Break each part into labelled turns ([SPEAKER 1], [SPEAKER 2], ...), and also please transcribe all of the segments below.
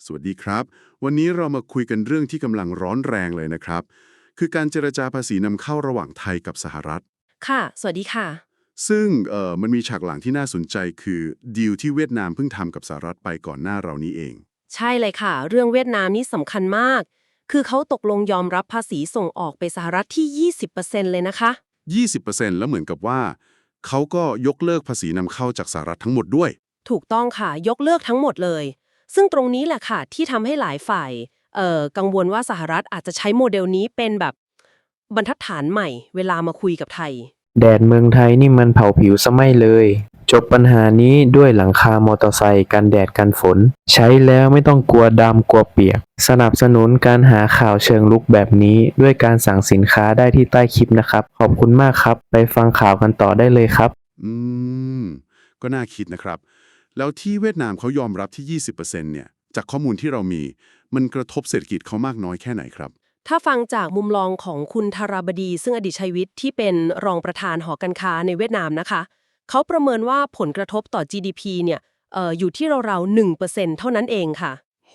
[SPEAKER 1] วัสดีครับวันนี้เรามาคุยกันเรื่องที่กำลังร้อนแรงเลยนะครับคือการเจรจาภาษีนำเข้าระหว่างไทยกับสหรัฐ
[SPEAKER 2] ค่ะสวัสดีค่ะ
[SPEAKER 1] ซึ่งมันมีฉากหลังที่น่าสนใจคือดีลที่เวียดนามเพิ่งทำกับสหรัฐไปก่อนหน้าเรานี้เอง
[SPEAKER 2] ใช่เลยค่ะเรื่องเวียดนามนี่สำคัญมากคือเขาตกลงยอมรับภาษีส่งออกไปสหรัฐที่20%เลยนะคะ
[SPEAKER 1] 20%แล้วเหมือนกับว่าเขาก็ยกเลิกภาษีนำเข้าจากสหรัฐทั้งหมดด้วย
[SPEAKER 2] ถูกต้องค่ะยกเลิกทั้งหมดเลยซึ่งตรงนี้แหละค่ะที่ทำให้หลายฝ่ายกังวลว่าสหรัฐอาจจะใช้โมเดลนี้เป็นแบบบรรทัดฐานใหม่เวลามาคุยกับไทย
[SPEAKER 3] แดดเมืองไทยนี่มันเผาผิวซะไม่เลย จบปัญหานี้ด้วยหลังคามอเตอร์ไซค์กันแดดกันฝน ใช้แล้วไม่ต้องกลัวดำกลัวเปียก สนับสนุนการหาข่าวเชิงลุกแบบนี้ด้วยการสั่งสินค้าได้ที่ใต้คลิปนะครับ ขอบคุณมากครับ ไปฟังข่าวกันต่อได้เลยครับ
[SPEAKER 1] อืมก็น่าคิดนะครับแล้วที่เวียดนามเขายอมรับที่ 20%เนี่ยจากข้อมูลที่เรามีมันกระทบเศรษฐกิจเขามากน้อยแค่ไหนครับ
[SPEAKER 2] ถ้าฟังจากมุมมองของคุณธาราบดีซึ่งอดีตชัยวิทย์ที่เป็นรองประธานหอการค้าในเวียดนามนะคะเขาประเมินว่าผลกระทบต่อ GDP เนี่ยอยู่ที่ราวๆ1%เท่านั้นเองค่ะ
[SPEAKER 1] โห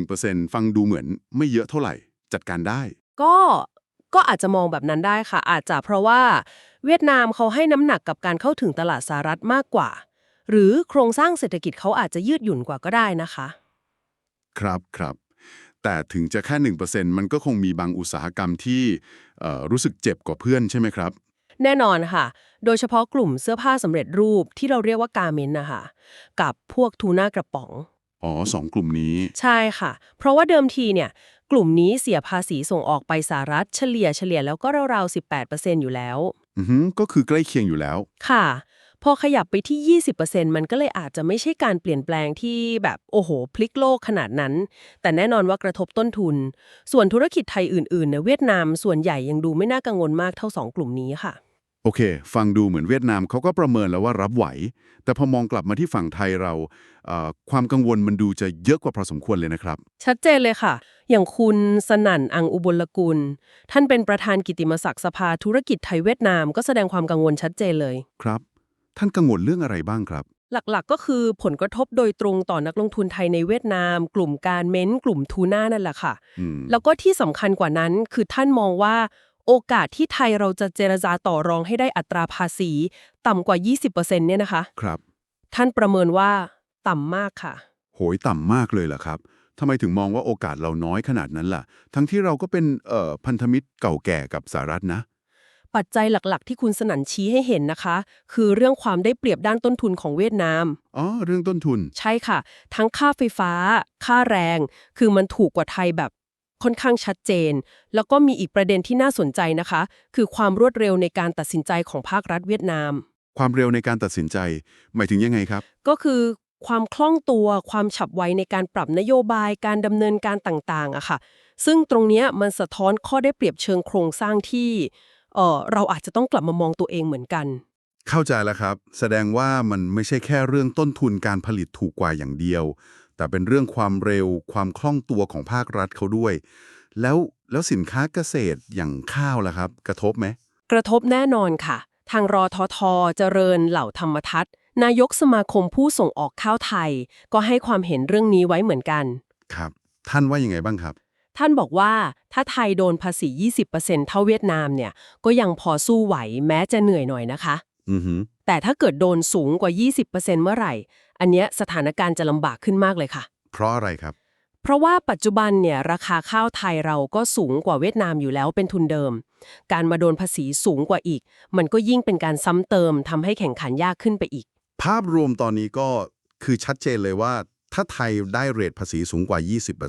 [SPEAKER 1] 1%ฟังดูเหมือนไม่เยอะเท่าไหร่จัดการได้
[SPEAKER 2] ก็ก็อาจจะมองแบบนั้นได้ค่ะอาจจะเพราะว่าเวียดนามเขาให้น้ำหนักกับการเข้าถึงตลาดสหรัฐมากกว่าหรือโครงสร้างเศรษฐกิจเขาอาจจะยืดหยุ่นกว่าก็ได้นะคะ
[SPEAKER 1] ครับครับแต่ถึงจะแค่1%มันก็คงมีบางอุตสาหกรรมที่รู้สึกเจ็บกว่าเพื่อนใช่ไหมครับ
[SPEAKER 2] แน่นอนค่ะโดยเฉพาะกลุ่มเสื้อผ้าสำเร็จรูปที่เราเรียกว่าการเมนต์นะคะกับพวกทูน่ากระป๋อง
[SPEAKER 1] อ๋อสองกลุ่มนี้
[SPEAKER 2] ใช่ค่ะ เพราะว่าเดิมทีเนี่ยกลุ่มนี้เสียภาษีส่งออกไปสหรัฐเฉลี่ยแล้วก็ราวๆ18%อยู่แล้ว
[SPEAKER 1] อือฮึก็คือใกล้เคียงอยู่แล้ว
[SPEAKER 2] ค่ะพอขยับไปที่20%มันก็เลยอาจจะไม่ใช่การเปลี่ยนแปลงที่แบบโอ้โหพลิกโลกขนาดนั้นแต่แน่นอนว่ากระทบต้นทุนส่วนธุรกิจไทยอื่นๆในเวียดนามส่วนใหญ่ยังดูไม่น่ากังวลมากเท่าสองกลุ่มนี้ค่ะ
[SPEAKER 1] โอเคฟังดูเหมือนเวียดนามเขาก็ประเมินแล้วว่ารับไหวแต่พอมองกลับมาที่ฝั่งไทยเราความกังวลมันดูจะเยอะกว่าพอสมควรเลยนะครับ
[SPEAKER 2] ชัดเจนเลยค่ะ อย่างคุณสนั่นอังอุบลกุลท่านเป็นประธานกิตติมศักดิ์สภาธุรกิจไทยเวียดนามก็แสดงความกังวลชัดเจนเลย
[SPEAKER 1] ครับท่านกังวลเรื่องอะไรบ้างครับ
[SPEAKER 2] หลักๆก็คือผลกระทบโดยตรงต่อนักลงทุนไทยในเวียดนาม กลุ่มการเม้นกลุ่มทูน่านั่นแหละค่ะ
[SPEAKER 1] อืม
[SPEAKER 2] แล้วก็ที่สำคัญกว่านั้นคือท่านมองว่าโอกาสที่ไทยเราจะเจรจาต่อรองให้ได้อัตราภาษีต่ำกว่า 20%เนี่ยนะคะ
[SPEAKER 1] ครับ
[SPEAKER 2] ท่านประเมินว่าต่ำมากค่ะ
[SPEAKER 1] โหยต่ำมากเลยเหรอครับทำไมถึงมองว่าโอกาสเราน้อยขนาดนั้นล่ะทั้งที่เราก็เป็นพันธมิตรเก่าแก่กับสหรัฐนะ
[SPEAKER 2] ปัจจัยหลักๆที่คุณสนั่นชี้ให้เห็นนะคะ คือเรื่องความได้เปรียบด้านต้นทุนของเวียดนาม
[SPEAKER 1] อ๋อเรื่องต้นทุน
[SPEAKER 2] ใช่ค่ะ ทั้งค่าไฟฟ้า ค่าแรง คือมันถูกกว่าไทยแบบค่อนข้างชัดเจน แล้วก็มีอีกประเด็นที่น่าสนใจนะคะ คือความรวดเร็วในการตัดสินใจของภาครัฐเวียดนาม
[SPEAKER 1] ความเร็วในการตัดสินใจหมายถึงยังไงครับ
[SPEAKER 2] ก็คือความคล่องตัวความฉับไวในการปรับนโยบายการดำเนินการต่างๆอะค่ะซึ่งตรงเนี้ยมันสะท้อนข้อได้เปรียบเชิงโครงสร้างที่เราอาจจะต้องกลับมามองตัวเองเหมือนกัน
[SPEAKER 1] เข้าใจแล้วครับแสดงว่ามันไม่ใช่แค่เรื่องต้นทุนการผลิตถูกกว่าอย่างเดียวแต่เป็นเรื่องความเร็วความคล่องตัวของภาครัฐเขาด้วยแล้วสินค้าเกษตรอย่างข้าวล่ะครับกระทบไหม
[SPEAKER 2] กระทบแน่นอนค่ะทางรอททเจริญเหล่าธรรมทัศน์นายกสมาคมผู้ส่งออกข้าวไทยก็ให้ความเห็นเรื่องนี้ไว้เหมือนกัน
[SPEAKER 1] ครับท่านว่ายังไงบ้างครับ
[SPEAKER 2] ท่านบอกว่าถ้าไทยโดนภาษี 20%เท่าเวียดนามเนี่ยก็ยังพอสู้ไหวแม้จะเหนื่อยหน่อยนะคะ
[SPEAKER 1] อือฮึ
[SPEAKER 2] แต่ถ้าเกิดโดนสูงกว่า 20%เมื่อไหร่อันเนี้ยสถานการณ์จะลำบากขึ้นมากเลยค่ะ
[SPEAKER 1] เพราะอะไรครับ
[SPEAKER 2] เพราะว่าปัจจุบันเนี่ยราคาข้าวไทยเราก็สูงกว่าเวียดนามอยู่แล้วเป็นทุนเดิมการมาโดนภาษีสูงกว่าอีกมันก็ยิ่งเป็นการซ้ำเติมทำให้แข่งขันยากขึ้นไปอีก
[SPEAKER 1] ภาพรวมตอนนี้ก็คือชัดเจนเลยว่าถ้าไทยได้เรทภาษีสูงกว่า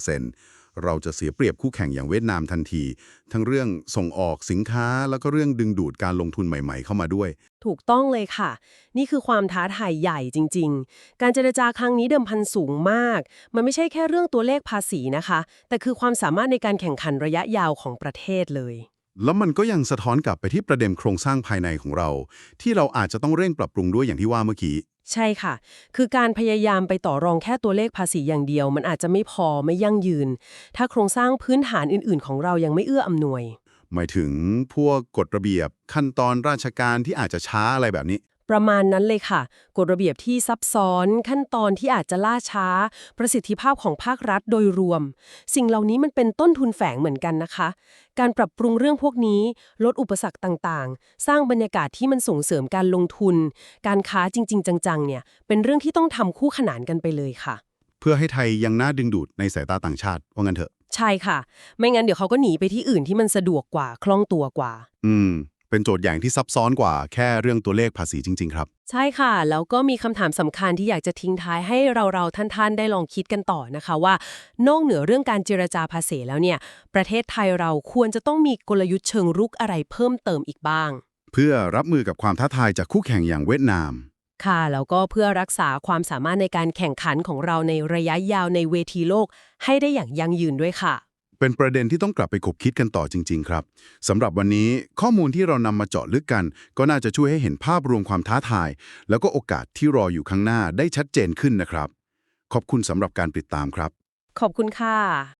[SPEAKER 1] 20%เราจะเสียเปรียบคู่แข่งอย่างเวียดนามทันทีทั้งเรื่องส่งออกสินค้าแล้วก็เรื่องดึงดูดการลงทุนใหม่ๆเข้ามาด้วย
[SPEAKER 2] ถูกต้องเลยค่ะนี่คือความท้าทายใหญ่จริงๆการเจรจาครั้งนี้เดิมพันสูงมากมันไม่ใช่แค่เรื่องตัวเลขภาษีนะคะแต่คือความสามารถในการแข่งขันระยะยาวของประเทศเลย
[SPEAKER 1] แล้วมันก็ยังสะท้อนกลับไปที่ประเด็นโครงสร้างภายในของเราที่เราอาจจะต้องเร่งปรับปรุงด้วยอย่างที่ว่าเมื่อกี้
[SPEAKER 2] ใช่ค่ะ คือการพยายามไปต่อรองแค่ตัวเลขภาษีอย่างเดียวมันอาจจะไม่พอไม่ยั่งยืน ถ้าโครงสร้างพื้นฐานอื่นๆของเรายังไม่เอื้ออำนวย
[SPEAKER 1] หมายถึงพวกกฎระเบียบขั้นตอนราชการที่อาจจะช้าอะไรแบบนี้
[SPEAKER 2] ประมาณนั้นเลยค่ะกฎระเบียบที่ซับซ้อนขั้นตอนที่อาจจะล่าช้า ประสิทธิภาพของภาครัฐโดยรวม สิ่งเหล่านี้มันเป็นต้นทุนแฝงเหมือนกันนะคะ การปรับปรุงเรื่องพวกนี้ลดอุปสรรคต่างๆ สร้างบรรยากาศที่มันส่งเสริมการลงทุน การค้าจริงๆจังๆเนี่ยเป็นเรื่องที่ต้องทำคู่ขนานกันไปเลยค่ะ
[SPEAKER 1] เพื่อให้ไทยยังน่าดึงดูดในสายตาต่างชาติว่างั้นเถอะ
[SPEAKER 2] ใช่ค่ะ ไม่งั้นเดี๋ยวเขาก็หนีไปที่อื่นที่มันสะดวกกว่าคล่องตัวกว่า
[SPEAKER 1] เป็นโจทย์ใหญ่ที่ซับซ้อนกว่าแค่เรื่องตัวเลขภาษีจริงๆครับ
[SPEAKER 2] ใช่ค่ะ แล้วก็มีคำถามสำคัญที่อยากจะทิ้งท้ายให้เราท่านๆได้ลองคิดกันต่อนะคะว่านอกเหนือเรื่องการเจรจาภาษีแล้วเนี่ยประเทศไทยเราควรจะต้องมีกลยุทธ์เชิงรุกอะไรเพิ่มเติมอีกบ้าง
[SPEAKER 1] เพื่อรับมือกับความท้าทายจากคู่แข่งอย่างเวียดนาม
[SPEAKER 2] ค่ะแล้วก็เพื่อรักษาความสามารถในการแข่งขันของเราในระยะยาวในเวทีโลกให้ได้อย่างยั่งยืนด้วยค่ะ
[SPEAKER 1] เป็นประเด็นที่ต้องกลับไปคบคิดกันต่อจริงๆครับสำหรับวันนี้ข้อมูลที่เรานำมาเจาะลึกกัน ก็น่าจะช่วยให้เห็นภาพรวมความท้าทาย แล้วก็โอกาสที่รออยู่ข้างหน้าได้ชัดเจนขึ้นนะครับ ขอบคุณสำหรับการติดตามครับ
[SPEAKER 2] ขอบคุณค่ะ